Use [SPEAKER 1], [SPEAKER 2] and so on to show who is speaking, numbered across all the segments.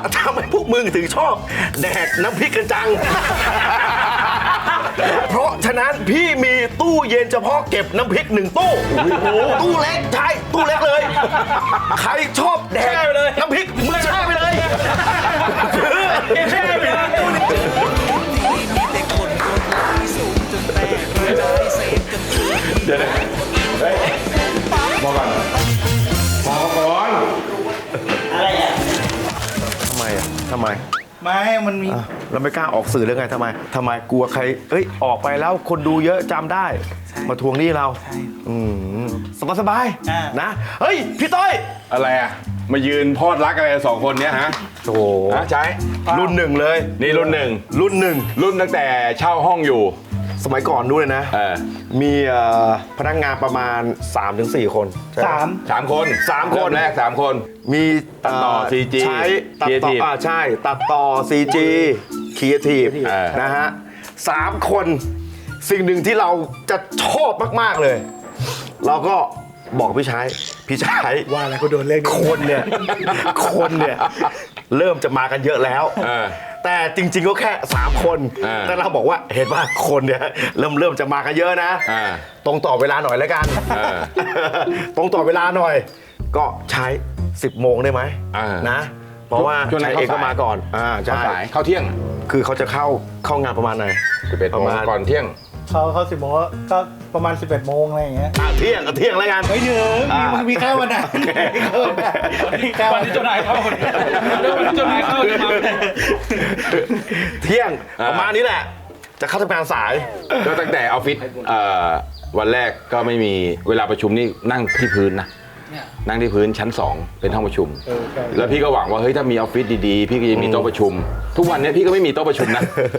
[SPEAKER 1] ทำไมพวกมึงถึงชอบแดกน้ำพริกกันจัง เพราะฉะนั้นพี่มีตู้เย็นเฉพาะเก็บน้ำพริก1 ตู้ตู้เล็กใช่ตู้เล็กเลย ใครชอบแดกน้ำพริกมึงแช่ไปเลยแช่ไปเลย
[SPEAKER 2] เดี๋ยวนะเฮ้ยพอก่อนพอก่อน
[SPEAKER 3] อะไรอ่ะ
[SPEAKER 1] ทำไมอ่ะทำไม
[SPEAKER 3] ไม่มันมี
[SPEAKER 1] เราไม่กล้าออกสื่อเรื่องไงทำไมกลัวใครออกไปแล้วคนดูเยอะจำได้ มาทวงหนี้เราสบายๆนะเฮ้ยพี่ต้อย
[SPEAKER 2] อะไรอ่ะมายืนพอดรักอะไร2 คนเนี้ยฮะ
[SPEAKER 1] โอ้โห
[SPEAKER 2] ฮะใช้
[SPEAKER 1] รุ่น 1เลย
[SPEAKER 2] นี่รุ่น
[SPEAKER 1] รุ่น
[SPEAKER 2] 1รุ่นตั้งแต่เช่าห้องอยู่
[SPEAKER 1] 1สมัยก่อนนู้นเลยนะ มีพนักงานประมาณ 3-4 คนใช่ไห
[SPEAKER 2] 3 คน
[SPEAKER 1] 3 คน
[SPEAKER 2] เริ่มแรก3 คน
[SPEAKER 1] มี
[SPEAKER 2] ตัดต่อ CG
[SPEAKER 1] ใช้ตัดต่อ
[SPEAKER 2] Creative
[SPEAKER 1] ใช่ตัดต่อ CG Creative นะฮะ3 คนสิ่งหนึ่งที่เราจะชอบมากๆเลย เราก็บอกพี่ชาย
[SPEAKER 3] ว่าอะไรกูโดนเล่น
[SPEAKER 1] คนเนี่ยเริ่มจะมากันเยอะแล้ว แต่จริงๆก็แค่3 คน แต่เราบอกว่าเห็นว่าคนเนี่ยเริ่มจะมากันเยอะนะ ตรงต่อเวลาหน่อยแล้วกัน ตรงต่อเวลาหน่อย ก็ใช้ 10 โมงได้ไหมนะ เพราะว่า
[SPEAKER 2] ช่วงนั้
[SPEAKER 1] ใช้
[SPEAKER 2] น
[SPEAKER 1] เองก็มาก่อนใช่
[SPEAKER 2] เข้าเที่ยง
[SPEAKER 1] คือเขาจะเข้างานประมาณไหน
[SPEAKER 2] 11
[SPEAKER 1] ประ
[SPEAKER 2] โมง
[SPEAKER 1] มาณ
[SPEAKER 2] ก่อนเที่ยง
[SPEAKER 3] เขา10 โมงก็ประมาณ 11 โมงอะไรอย่างเงี้ย
[SPEAKER 1] เที่ยงแล้วกัน
[SPEAKER 3] ไม่ถึงมีแค่วันนั้นมีแค่
[SPEAKER 4] วันที่เจ้านายเข้าเรื่องวันที่เจ้านายเข้าจะมา
[SPEAKER 1] เที่ยงประมาณนี้แหละ จะเข้าทำงานสาย
[SPEAKER 2] ก็ตั้งแต่ออฟฟิศวันแรกก็ไม่มีเวลาประชุมนี่นั่งที่พื้นนะนั่งที่พื้นชั้น 2 เป็นห้องประชุม แล้วพี่ก็หวังว่าเฮ้ยถ้ามีออฟฟิศดีๆพี่ก็จะมีโต๊ะประชุม ทุกวันนี้พี่ก็ไม่มีโต๊ะประชุมนะ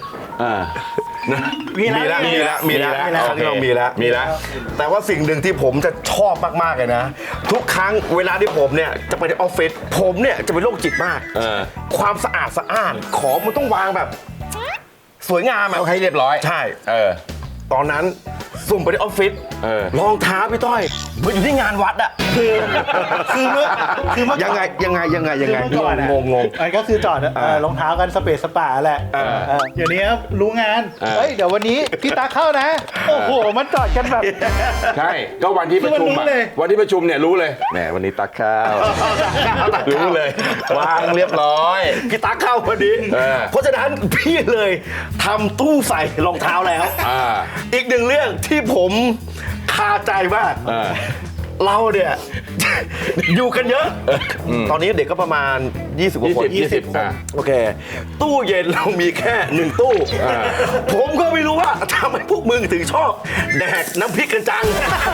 [SPEAKER 1] มีแล้วครั้งที่เรามีแล้ว แต่ว่าสิ่งหนึ่งที่ผมจะชอบมากๆเลยนะ ทุกครั้งเวลาที่ผมเนี่ยจะไปที่ออฟฟิศผมเนี่ยจะเป็นโรคจิตมาก ความสะอาดสะอ้านของมันต้องวางแบบ สวยงาม
[SPEAKER 2] เอาให้เรียบร้อย
[SPEAKER 1] ใช่ ตอนนั้นสุ่มไปที่ออฟฟิศ รองเท้าพี่ต้อยมันอยู่ที่งานวัดอะคือเมื่อยังไง
[SPEAKER 3] ก่อน
[SPEAKER 1] งง
[SPEAKER 3] มันก็คือจอดรองเท้ากันสเปซสปาแหละเดี๋ยวนี้รู้งานเฮ้ยเดี๋ยววันนี้พี่ตาเข้านะโอ้โหมันจอดกันแบบ
[SPEAKER 2] ใช่ก็วันที่ประชุม
[SPEAKER 3] คือมันรู้เลย
[SPEAKER 2] วันที่ประชุมเนี่ยรู้เลยแหมวันนี้ตักข้าวรู้เลยวางเรียบร้อย
[SPEAKER 1] พี่ตั๊กเข้าพอดี เพราะฉะนั้นพี่เลยทำตู้ใส่รองเท้าแล้ว อีกหนึ่งเรื่องที่ผมคาใจมาก เราเนี่ย อยู่กันเยอะ ตอนนี้เด็กก็ประมาณ 20 กว่าคน
[SPEAKER 2] 20
[SPEAKER 1] คนโอเค ตู้เย็นเรามีแค่ 1 ตู้ ผมก็ไม่รู้ว่าทำไมพวกมึงถึงชอบแดกน้ำพริกกันจัง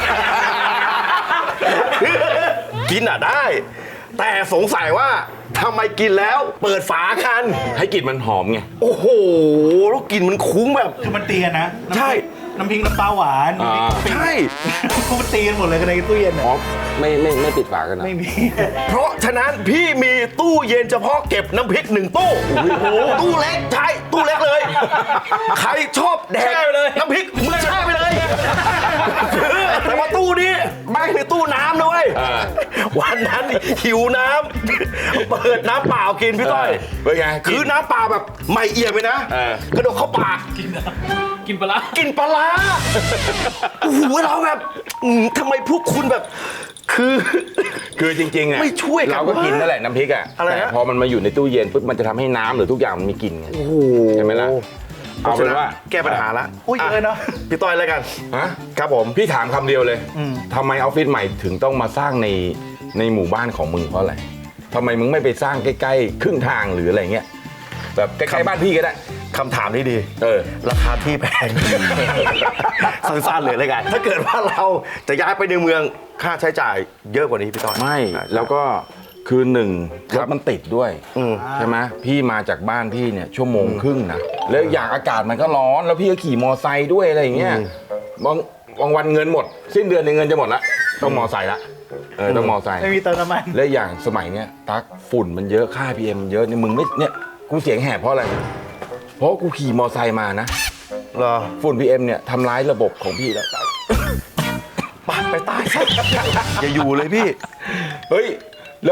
[SPEAKER 1] กินได้ แต่สงสัยว่าทำไมกินแล้วเปิดฝากัน
[SPEAKER 2] ให้กลิ่นมันหอมไง
[SPEAKER 1] โอ้โหแล้วกลิ่นมันคุ้งแบบ
[SPEAKER 3] คือมันตีกันนะ
[SPEAKER 1] ใช่
[SPEAKER 3] น้ำพริกน้ำปลาหวาน
[SPEAKER 1] ใช่
[SPEAKER 3] มันตีกันหมดเลยกันในตู้เย็น
[SPEAKER 2] อ๋อไม่ปิดฝากันนะ
[SPEAKER 3] ไม่มี
[SPEAKER 1] เพราะฉะนั้นพี่มีตู้เย็นเฉพาะเก็บน้ำพริก1 ตู้ตู้เล็กใช่ตู้เล็กเลย ใครชอบแดกน้ำพริกมึงแช่ไปเลยแต่ว่าตู้นี้แม่งเป็นตู้น้ำด้วย วันนั้นหิวน้ำเปิดน้ำเปล่ากินพี่ต้อย
[SPEAKER 2] เป็นไง
[SPEAKER 1] คือน้ำเปล่าแบบไม่เอี่ยมเลยนะกระโดดเข้าปาก
[SPEAKER 4] กินปลาร้า
[SPEAKER 1] กินปลาร้าโอ้โหเราแบบทำไมพวกคุณแบบ
[SPEAKER 2] คือจริงๆอ่ะ
[SPEAKER 1] ไม่ช่วยกัน
[SPEAKER 2] เราก็กินนั่นแหละน้ำพริกอ่ะ
[SPEAKER 1] อะไรนะ
[SPEAKER 2] แต่พอมันมาอยู่ในตู้เย็นปุ๊บมันจะทำให้น้ำหรือทุกอย่างมันมีกลิ่นไง
[SPEAKER 1] โอ้โห
[SPEAKER 2] ใช่ไหมล่ะเอาเป็นว่า
[SPEAKER 1] แก้ปัญหาละ
[SPEAKER 3] อุ้ยเยอะเนาะ
[SPEAKER 1] พี่ต้อยแล้วกัน
[SPEAKER 2] ฮะ
[SPEAKER 1] ครับผม
[SPEAKER 2] พี่ถามคำเดียวเลยทำไมออฟฟิศใหม่ถึงต้องมาสร้างในหมู่บ้านของมึงเพราะอะไรทำไมมึงไม่ไปสร้างใกล้ๆครึ่งทางหรืออะไรเงี้ยแบบใกล้ๆบ้านพี่ก็ได้
[SPEAKER 1] คำถามนี้ดี ราคาที่แพง สั้นๆเลยแล้วกัน ถ้าเกิดว่าเราจะย้ายไปในเมืองค่าใช้จ่ายเยอะกว่านี้พี่ต้อย
[SPEAKER 2] ไม่แล้วก็คือหนึ่งรถมันติดด้วย
[SPEAKER 1] อืม
[SPEAKER 2] ใช่ไหมพี่มาจากบ้านพี่เนี่ยชั่วโมงครึ่งนะแล้วอย่างอากาศมันก็ร้อนแล้วพี่ก็ขี่มอไซค์ด้วยอะไรอย่างเงี้ยบางวันเงินหมด สิ้นเดือนในยเงินจะหมดละต้องมอไซค์ละต้องมอไซค์
[SPEAKER 3] ไม่มีเติมน้ำมัน
[SPEAKER 2] และอย่างสมัยเนี้ยตักฝุ่นมันเยอะค่า PM มันเยอะเนี่ยมึงไม่เนี่ยกูเสียงแหบเพราะอะไรเพราะกูขี่มอไซค์มานะ
[SPEAKER 1] เหรอ
[SPEAKER 2] ฝุ่น PM เนี่ยทำร้ายระบบของพี่แล้ว
[SPEAKER 1] ไปตายซะอย่าอยู่เลยพี่
[SPEAKER 2] เฮ้ย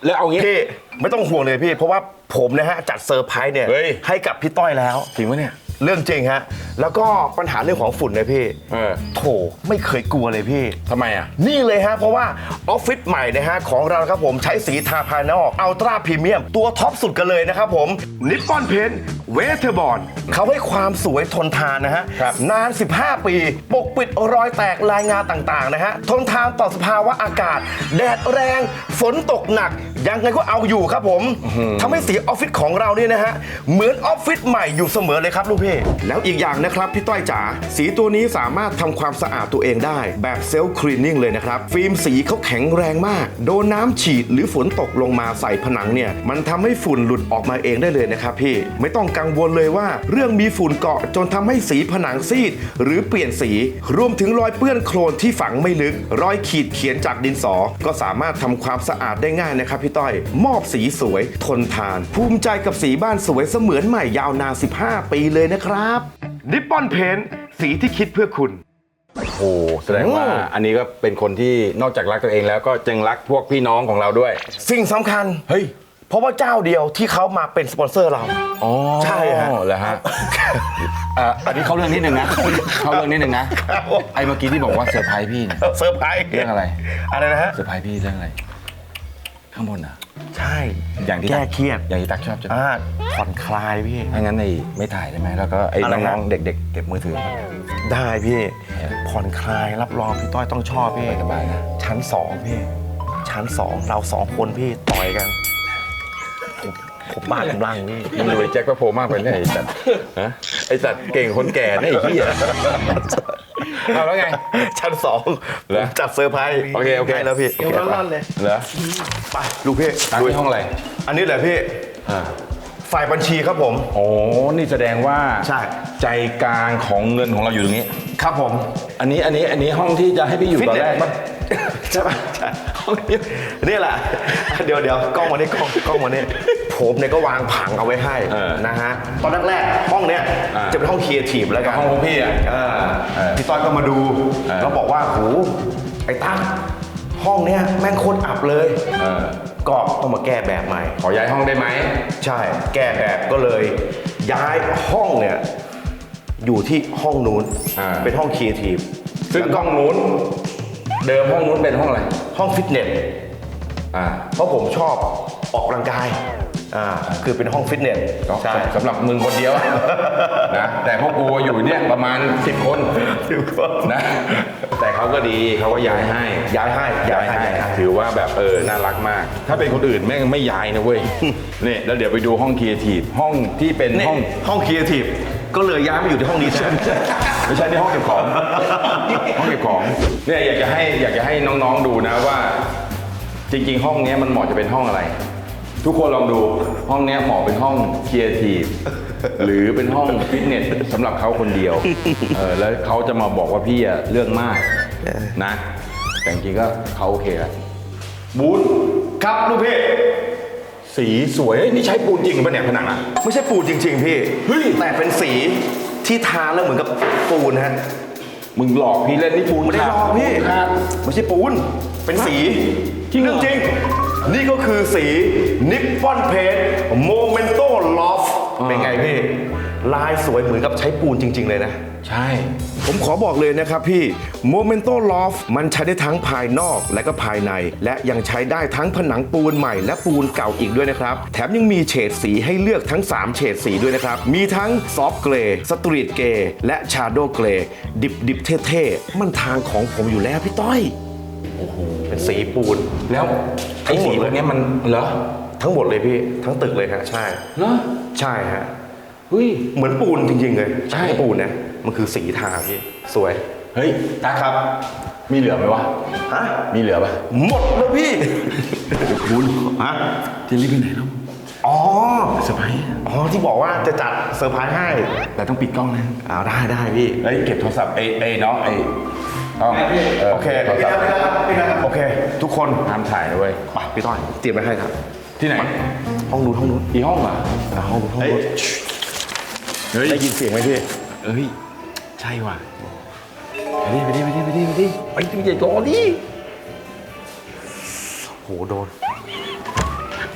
[SPEAKER 2] แล้วเอางี้
[SPEAKER 1] พี่ไม่ต้องห่วงเลยพี่ เพราะว่าผมนะฮะจัดเซอร์ไพรส์เนี่ย
[SPEAKER 2] เฮ้ย
[SPEAKER 1] ให้กับพี่ต้อยแล้ว
[SPEAKER 2] จริงปะเนี่ย
[SPEAKER 1] เรื่องจริงฮะแล้วก็ปัญหาเรื่องของฝุ่นเลยพี่ โถไม่เคยกลัวเลยพี่
[SPEAKER 2] ทำไมอ่ะ
[SPEAKER 1] นี่เลยฮะเพราะว่าออฟฟิศใหม่นะฮะของเราครับผมใช้สีทาภายนอกอัลตร้าพรีเมียมตัวท็อปสุดกันเลยนะครับผมนิปปอนเพนเวเทอร์บอลเขาให้ความสวยทนทานนะฮะ
[SPEAKER 2] ครับ
[SPEAKER 1] นาน 15 ปี ปกปิดรอยแตกลายงาต่างๆนะฮะทนทานต่อสภาวะอากาศ แดดแรงฝนตกหนัก ยังไงก็เอาอยู่ครับผมทำให้สีออฟฟิศของเราเนี่ยนะฮะเหมือนออฟฟิศใหม่อยู่เสมอเลยครับลูกพี่แล้วอีกอย่างนะครับพี่ต้อยจ๋าสีตัวนี้สามารถทำความสะอาดตัวเองได้แบบเซลล์คลีนนิ่งเลยนะครับฟิล์มสีเขาแข็งแรงมากโดนน้ำฉีดหรือฝนตกลงมาใส่ผนังเนี่ยมันทำให้ฝุ่นหลุดออกมาเองได้เลยนะครับพี่ไม่ต้องกังวลเลยว่าเรื่องมีฝุ่นเกาะจนทำให้สีผนังซีดหรือเปลี่ยนสีรวมถึงรอยเปื้อนโคลนที่ฝังไม่ลึกรอยขีดเขียนจากดินสอก็สามารถทำความสะอาดได้ง่ายนะครับพี่ต้อยมอบสีสวยทนทานภูมิใจกับสีบ้านสวยเสมือนใหม่ยาวนาน15 ปีเลยนะครับนิปปอนเพนสีที่คิดเพื่อคุณ
[SPEAKER 2] โอ้แสดงว่าอันนี้ก็เป็นคนที่นอกจากรักตัวเองแล้วก็ยังรักพวกพี่น้องของเราด้วย
[SPEAKER 1] สิ่งสำคัญ
[SPEAKER 2] เฮ้ย
[SPEAKER 1] เพราะว่าเจ้าเดียวที่เขามาเป็นสปอนเซอร์เรา
[SPEAKER 2] อ๋อ
[SPEAKER 1] ใช่ฮะ
[SPEAKER 2] เหรอฮะอันนี้เข้าเรื่องนิดนึงนะ เข้าเรื่องนิดนึงนะ ไอ้เมื่อกี้ที่บอกว่าเซอร์ไพรส์พี่เนี่ย
[SPEAKER 1] เซอร์ไพรส์
[SPEAKER 2] เรื่องอะไร
[SPEAKER 1] อะไรนะฮะ
[SPEAKER 2] เซอร์ไพรส์พี่เรื่องอะไร ข้างบนอ่ะ
[SPEAKER 1] ใช่
[SPEAKER 2] อย่างที่
[SPEAKER 1] แก้เครียด
[SPEAKER 2] อย่างที่ตักชอบจะ
[SPEAKER 1] ผ่อนคลายพี่
[SPEAKER 2] ถ้างั้นไม่ถ่ายได้ไหมแล้วก็ไอ้
[SPEAKER 1] อะไร
[SPEAKER 2] น้อง
[SPEAKER 1] ฮะ
[SPEAKER 2] ๆเด็กๆเก็บมือถือ
[SPEAKER 1] ได้พี่ ผ่อนคลายรับรองพี่ต้อยต้องชอบพี่
[SPEAKER 2] สบายๆนะ
[SPEAKER 1] ชั้น 2 พี่ ชั้น 2 เรา 2 คนพี่ต่อยกันผมบ้ากำลังพี่
[SPEAKER 2] มึงดูไอ้แจ็คก็โผล่มากไปเนี่ยไอ้สัตว์ฮะไอ้สัตว์เก่งคนแก่เนี่ยไอ้เหี้ยเอาแล้วไง
[SPEAKER 1] ชั้น 2
[SPEAKER 2] เหรอ
[SPEAKER 1] จัดเซอร์ไพรส์
[SPEAKER 2] โอเคโอเค
[SPEAKER 1] ให้แล้วพี่
[SPEAKER 3] เดี๋ยวร้อนๆเลย
[SPEAKER 2] เหรอ
[SPEAKER 1] ไปลูกพี่
[SPEAKER 2] อันนี้ห้องอะไร
[SPEAKER 1] อันนี้แหละพี่ ฝ่ายบัญชีครับผม
[SPEAKER 2] โอ้นี่แสดงว่า
[SPEAKER 1] ใช่
[SPEAKER 2] ใจกลางของเงินของเราอยู่ตรงนี้
[SPEAKER 1] ครับผม
[SPEAKER 2] อันนี้ห้องที่จะให้พี่อยู่ตอนแรก
[SPEAKER 1] ฟิตเนสใช่ปะใช่ห้องนี้นี่แหละ เดี๋ยวกล้องมานี่กล้องมานี่ผมเนี่ยก็วางผังเอาไว้ให้นะฮะตอนแรกๆห้องเนี้ยจะเป็นห้องครีเอทีฟแล้วกัน
[SPEAKER 2] ห้องของพี่อ่ะ
[SPEAKER 1] พี่ต้อยก็มาดูแล้วบอกว่าโหไอ้ตั้งห้องเนี้ยแม่งโคตรอับเลยก็ต้องมาแก้แบบใหม่
[SPEAKER 2] ขอย้ายห้องได้ไหม
[SPEAKER 1] ใช่แก้แบบก็เลยย้ายห้องเนี่ยอยู่ที่ห้องนู้นเป็นห้องครีเอทีฟ
[SPEAKER 2] ซึ่งห้องนู้น เดิมห้องนู้นเป็นห้องอะไร
[SPEAKER 1] ห้องฟิตเนสเพราะผมชอบออกกำลังกายคือเป็นห้องฟิตเนสใช่
[SPEAKER 2] สำหรับมึงคนเดียว นะแต่พวกกูอยู่เนี่ยประมาณ10 คนนะแต่เขาก็ดีเขาก็ย้ายให้
[SPEAKER 1] ย้ายให้
[SPEAKER 2] ถือว่าแบบน่ารักมาก ถ้าเป็นคนอื่นแม่งไม่ย้ายนะเว้ย นี่แล้วเดี๋ยวไปดูห้องครีเอทีฟห้องที่เป็น
[SPEAKER 1] นี่
[SPEAKER 2] ห้อง
[SPEAKER 1] ครีเอทีฟก็เลยย้ายมาอยู่ที่ห้องนี้แทน
[SPEAKER 2] ไม่ใช่ที่ห้องเก็บของ ห้องเก็บของเนี่ยอยากจะให้น้องๆดูนะว่า จริงๆ ห้องเนี้ยมันเหมาะจะเป็นห้องอะไร ทุกคนลองดูห้องเนี้ยเหมาะเป็นห้องครีเอทีฟหรือเป็นห้องฟิตเนสสำหรับเขาคนเดียวแล้วเขาจะมาบอกว่าพี่อะเรื่องมากนะ แต่จริงๆก็เขาโอเคแล้วบูธ
[SPEAKER 1] ครับลูกพี่
[SPEAKER 2] สีสวยนี่ใช้ปูนจริงปะเนี่ยผนังอะ
[SPEAKER 1] ไม่ใช่ปูนจริง ๆ พี่
[SPEAKER 2] เฮ้ย
[SPEAKER 1] แต่เป็นสีที่ทาแล้วเหมือนกับปูนฮะ
[SPEAKER 2] มึงหลอกพี่เล่นนี่ปูน
[SPEAKER 1] ไม่ได้ลอกพี่
[SPEAKER 2] ครับ
[SPEAKER 1] ไม่ใช่ปูนเป็นสี
[SPEAKER 2] จริงเหรอ
[SPEAKER 1] เรื่องจริง นี่ก็คือสีนิปปอนเพนโมเมนโตลอฟเป็นไงพี่ ลายสวยเหมือนกับใช้ปูนจริง ๆ เลยนะ
[SPEAKER 2] ใช่
[SPEAKER 1] ผมขอบอกเลยนะครับพี่ Momento Loft มันใช้ได้ทั้งภายนอกและก็ภายใน และยังใช้ได้ทั้งผนังปูนใหม่และปูนเก่าอีกด้วยนะครับ แถมยังมีเฉดสีให้เลือกทั้ง 3 เฉดสีด้วยนะครับ มีทั้งซอฟต์เกรย์สตรีทเกรย์และชาโดว์เกรย์ดิบเท่ๆ มันทางของผมอยู่แล้วพี่ต้อย โอ้โห เป็นสีปูน
[SPEAKER 2] แล้วไอ้สีพวกเนี้ยมันเหรอ
[SPEAKER 1] ทั้งหมดเลยพี่ ทั้งตึกเลยฮะใช่
[SPEAKER 2] เหรอ
[SPEAKER 1] ใช่ฮะ
[SPEAKER 2] เฮ้ย
[SPEAKER 1] เหมือนปูนจริงๆเลย
[SPEAKER 2] ใช่
[SPEAKER 1] ไม่ปูนนะมันคือสีทาพี่สวย
[SPEAKER 2] เฮ้ยตาครับ มีเหลือไหมวะ
[SPEAKER 1] ฮะ
[SPEAKER 2] มีเหลือปะ
[SPEAKER 1] หมดแล้วพี่คุณฮะ
[SPEAKER 2] จะรีบไปไหนแล้ว
[SPEAKER 1] อ๋อ
[SPEAKER 2] เซอร์ไพรส์
[SPEAKER 1] อ๋อที่บอกว่าจะจัดเซอร์ไพรส์ให้
[SPEAKER 2] แต่ต้องปิดกล้องนะ
[SPEAKER 1] อ้าวได้พี่
[SPEAKER 2] เฮ้ยเก็บโทรศัพท์น้องต้อง
[SPEAKER 1] โอเค
[SPEAKER 2] โทรศัพท์
[SPEAKER 1] โอเค ทุกคน
[SPEAKER 2] ห้ามถ่ายนะเว้ย
[SPEAKER 1] ไปพี่ต้อยเตรียมไว้ให้ครับ
[SPEAKER 2] ที่ไหน
[SPEAKER 1] ห้องนู้น
[SPEAKER 2] อีห้องเหรอ
[SPEAKER 1] ห้องนู้น
[SPEAKER 2] เฮ้ย เฮ้ย
[SPEAKER 1] ได้ยินเสียงไหมพี่
[SPEAKER 2] เอ้ย ใช่ว่ะไปดิไปที่ใหญ่โตดิ
[SPEAKER 1] โหโดน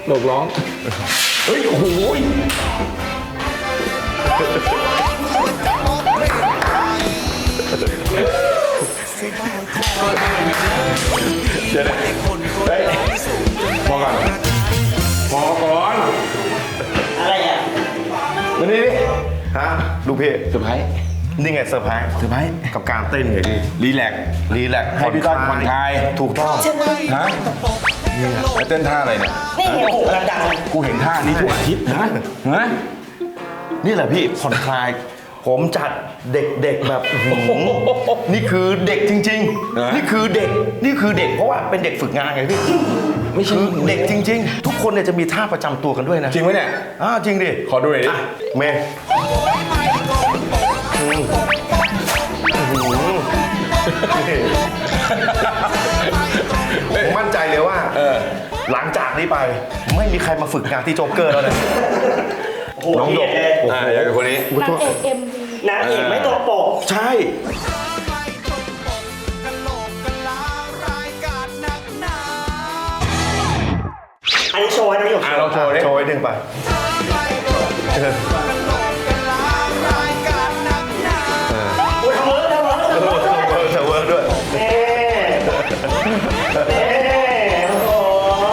[SPEAKER 2] หลบร้อง เฮ้ย โอ้โหเดี๋ยวนะเฮ้ยพอก่อนพอก่อน
[SPEAKER 5] อะไรอ่ะ
[SPEAKER 2] มานี่ดิ
[SPEAKER 1] ฮะลูกพี่
[SPEAKER 2] เซอร์ไพรส์
[SPEAKER 1] นี่ไงเซอร์ไพรส์กับการเต้นไงพี่
[SPEAKER 2] รีแลกซ์
[SPEAKER 1] รีแลกซ์
[SPEAKER 2] ให้พี่ต้อยผ่อนคลาย
[SPEAKER 1] ถูกต้อง
[SPEAKER 2] ฮะแล้วเต้นท่าอะไรเนี่ย
[SPEAKER 5] นี่ไงโอ้โหกำลังดัง
[SPEAKER 2] กูเห็นท่านี้ทุกอาทิตย์นะฮะ
[SPEAKER 1] นี่แหละพี่ผ่อนคลาย ผมจัดเด็กๆแบบอื้อหือนี่คือเด็กจริง ๆ นี่คือเด็กเพราะว่าเป็นเด็กฝึกงานไงพี่
[SPEAKER 2] ไม่ใช่
[SPEAKER 1] คือเด็กจริง ๆ ทุกคนเนี่ยจะมีท่าประจำตัวกันด้วยนะ
[SPEAKER 2] จริงไหมเนี่ย
[SPEAKER 1] จริงดิ
[SPEAKER 2] ขอดูหน่อยดิ
[SPEAKER 1] เมย์ผมมั่นใจเลยว่าหลังจากนี้ไปไม่มีใครมาฝึกงานที่โจ๊กเกอร์แล้วนะ
[SPEAKER 5] โอ้โห
[SPEAKER 1] น้องดก
[SPEAKER 2] อย่างคนนี้
[SPEAKER 6] นางเอกเอ็ม
[SPEAKER 5] นางเอกไม่ตัวโปก
[SPEAKER 1] ใช่
[SPEAKER 5] อันนี้โชว์นะพี่หยก
[SPEAKER 2] เราโชว์ดิ
[SPEAKER 1] โชว์ให้ดึงไปเออ
[SPEAKER 5] โอ้ยทำเวิร์กทำเวิร์ก
[SPEAKER 1] เธอเวิร์กด้วย
[SPEAKER 5] เอ๊ะเอ๊ะโอ้โห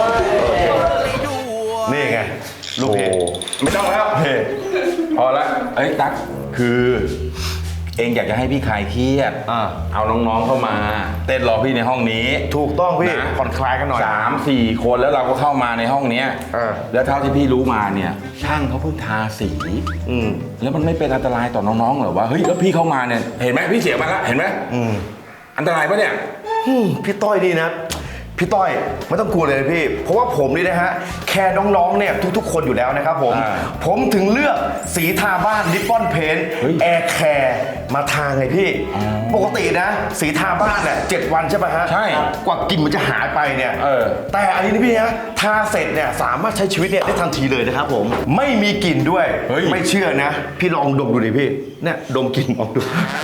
[SPEAKER 1] นี่ไง ลูก
[SPEAKER 2] โอ้
[SPEAKER 1] เพจ
[SPEAKER 2] ไม่ต้องแล้ว
[SPEAKER 1] เพจ
[SPEAKER 2] พอละเอ้ยตั๊กคือเองอยากจะให้พี่คลายเครียด เอาน้องๆเข้ามา เต้นรอพี่ในห้องนี้
[SPEAKER 1] ถูกต้องพี่
[SPEAKER 2] นะ
[SPEAKER 1] ผ่อนคลายกันหน่อย
[SPEAKER 2] 3-4 คนแล้วเราก็เข้ามาในห้องเนี้ย แล้วเท่าที่พี่รู้มาเนี่ย ช่างเขาเพิ่งทาสี แล้วมันไม่เป็นอันตรายต่อน้องๆเหรอวะเฮ้ยแล้วพี่เข้ามาเนี่ยเห็นไหมพี่เสียมาแล้วเห็นไหมอันตรายปะเนี่ย
[SPEAKER 1] พี่ต้อยนี่นะ พี่ต้อยไม่ต้องกลัวเลยพี่ เพราะว่าผมนี่นะฮะแคร์น้องๆเนี่ยทุกๆ คนอยู่แล้วนะครับผม ผมถึงเลือกสีทาบ้านนิปปอนเพนแอร์แคร์มาทาไงพี่ ปกตินะ สีทาบ้านเนี่ย7 วันใช่ไหมฮะ
[SPEAKER 2] ใช่
[SPEAKER 1] กว่ากลิ่นมันจะหายไปเนี่ย แต่อันนี้นี่พี่ฮะทาเสร็จเนี่ยสามารถใช้ชีวิตเนี่ยได้ทันทีเลยนะครับผมไม่มีกลิ่นด้วย ไม่เชื่อนะ พี่ลองดมดูดิพี่เนี่ยดมกลิ่นออกดู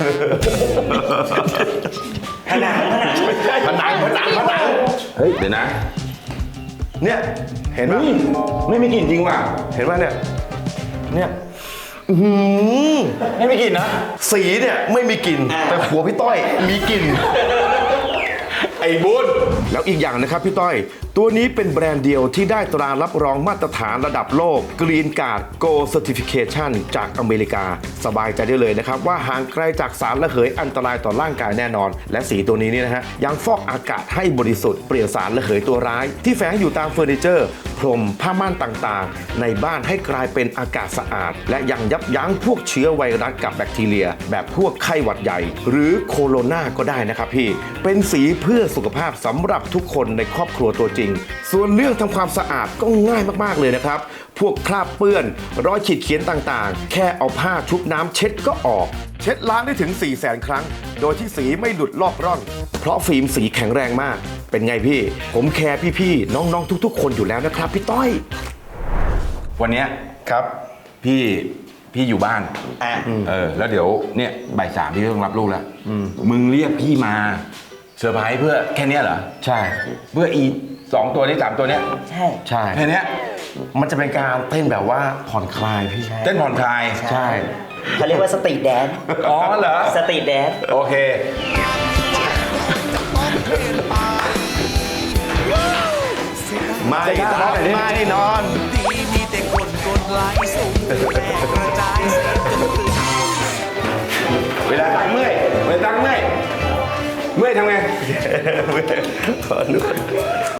[SPEAKER 5] ผนัง
[SPEAKER 1] ผนัง
[SPEAKER 2] เฮ้ยเดี๋ยวนะ
[SPEAKER 1] เนี่ยเห็นไหม
[SPEAKER 2] ไม่มีกลิ่นจริงว่ะ
[SPEAKER 1] เห็นไหมเนี่ยอื้อหือ
[SPEAKER 2] ไม่มีกลิ่นนะ
[SPEAKER 1] สีเนี่ยไม่มีกลิ่นแต่หัวพี่ต้อยมีกลิ่น
[SPEAKER 2] ไอ้บุญ
[SPEAKER 1] แล้วอีกอย่างนะครับพี่ต้อย ตัวนี้เป็นแบรนด์เดียวที่ได้ตรารับรองมาตรฐานระดับโลก Green Card Gold Certification จากอเมริกา สบายใจได้เลยนะครับว่าห่างไกลจากสารระเหยอันตรายต่อร่างกายแน่นอน และสีตัวนี้นี่นะฮะยังฟอกอากาศให้บริสุทธิ์เปลี่ยนสารระเหยตัวร้าย ที่แฝงอยู่ตามเฟอร์นิเจอร์พรมผ้าม่านต่างๆ ในบ้านให้กลายเป็นอากาศสะอาด และยังยับยั้งพวกเชื้อไวรัสกับแบคทีเรีย แบบพวกไข้หวัดใหญ่ หรือโคโรนาก็ได้นะครับพี่เป็นสีเพื่อสุขภาพสำหรับทุกคนในครอบครัวตัวจริง ส่วนเรื่องทำความสะอาดก็ง่ายมากๆเลยนะครับพวกคราบเปื้อนรอยขีดเขียนต่างๆ แค่เอาผ้าชุบน้ำเช็ดก็ออกเช็ดล้างได้ถึง 400,000 ครั้งโดยที่สีไม่หลุดลอกร่อนเพราะฟิล์มสีแข็งแรงมากเป็นไงพี่ผมแคร์พี่ๆน้องๆทุกๆ คนอยู่แล้วนะครับพี่ต้อย
[SPEAKER 2] วันเนี้ย
[SPEAKER 1] ครับ
[SPEAKER 2] พี่อยู่บ้าน แล้วเดี๋ยวเนี่ยบ่าย 3พี่ต้องรับลูกแล้วมึงเรียกพี่มาเซอร์ไพรส์เพื่อแค่เนี้ยเหรอ
[SPEAKER 1] ใช่
[SPEAKER 2] เพื่ออี2 ตัวนี้3 ตัวเนี้ย
[SPEAKER 5] ใช่
[SPEAKER 1] ใช่
[SPEAKER 2] แค่เนี้ย
[SPEAKER 1] มันจะเป็นการเต้นแบบว่าผ่อนคลายพี่
[SPEAKER 2] เต้นผ่อนคลาย
[SPEAKER 1] ใช่
[SPEAKER 5] เขาเรียกว่าสตรีทแดนซ์
[SPEAKER 2] อ๋อเหรอ
[SPEAKER 5] สตรีทแดนซ์
[SPEAKER 2] โอเค
[SPEAKER 1] ไม่นอน
[SPEAKER 7] มีแต่คนกดไลค์ส่งแรงกระจายเสียงจนตื่น
[SPEAKER 2] เวลาตักเมื่อยทำไง